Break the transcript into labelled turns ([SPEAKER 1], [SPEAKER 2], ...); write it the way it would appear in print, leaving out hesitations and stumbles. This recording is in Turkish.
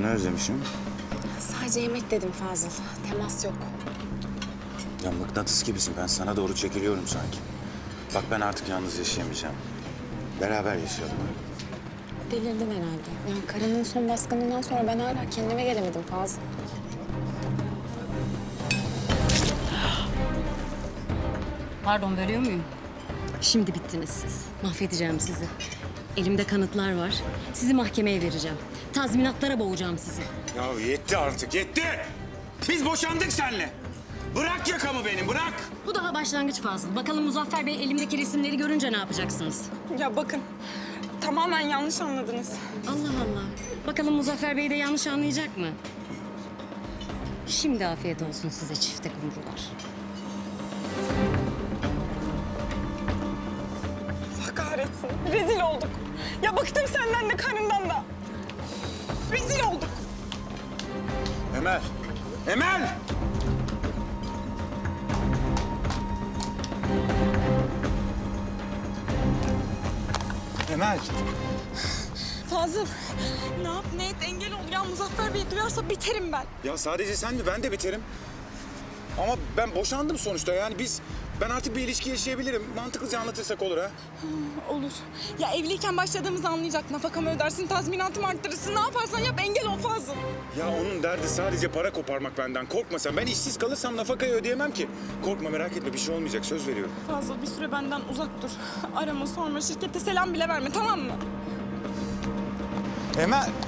[SPEAKER 1] Canını özlemişim.
[SPEAKER 2] Sadece yemek dedim Fazıl. Temas yok.
[SPEAKER 1] Ya mıknatıs gibisin. Ben sana doğru çekiliyorum sanki. Bak ben artık yalnız yaşayamayacağım. Beraber yaşayalım.
[SPEAKER 2] Delirdin herhalde. Yani karının son baskınından sonra ben hala kendime gelemedim Fazıl.
[SPEAKER 3] Pardon, bölüyor muyum? Şimdi bittiniz siz. Mahvedeceğim sizi. Elimde kanıtlar var. Sizi mahkemeye vereceğim. Tazminatlara boğacağım sizi.
[SPEAKER 1] Ya yetti artık, yetti! Biz boşandık seninle. Bırak yakamı benim, bırak!
[SPEAKER 3] Bu daha başlangıç Fazıl. Bakalım Muzaffer Bey elimdeki resimleri görünce ne yapacaksınız?
[SPEAKER 4] Ya bakın, tamamen yanlış anladınız.
[SPEAKER 3] Allah Allah. Bakalım Muzaffer Bey de yanlış anlayacak mı? Şimdi afiyet olsun size çifte kumrular.
[SPEAKER 4] Allah kahretsin, rezil olduk. Ya bıktım senden de karından da. Rezil olduk.
[SPEAKER 1] Emel! Emel! Emel!
[SPEAKER 4] Fazıl, ne yap ne et engel ol ya. Muzaffer Bey duyarsa biterim ben.
[SPEAKER 1] Ya sadece sen mi? Ben de biterim. Ama ben boşandım sonuçta. Yani ben artık bir ilişki yaşayabilirim. Mantıklıca anlatırsak olur ha.
[SPEAKER 4] Olur. Ya evliyken başladığımızı anlayacak. Nafakamı ödersin, tazminatımı arttırırsın. Ne yaparsan yap engel ol Fazıl.
[SPEAKER 1] Ya onun derdi sadece para koparmak benden. Korkma sen. Ben işsiz kalırsam nafakayı ödeyemem ki. Korkma merak etme bir şey olmayacak. Söz veriyorum.
[SPEAKER 4] Fazıl bir süre benden uzak dur. Arama sorma, şirkete selam bile verme, tamam mı?
[SPEAKER 1] Emel!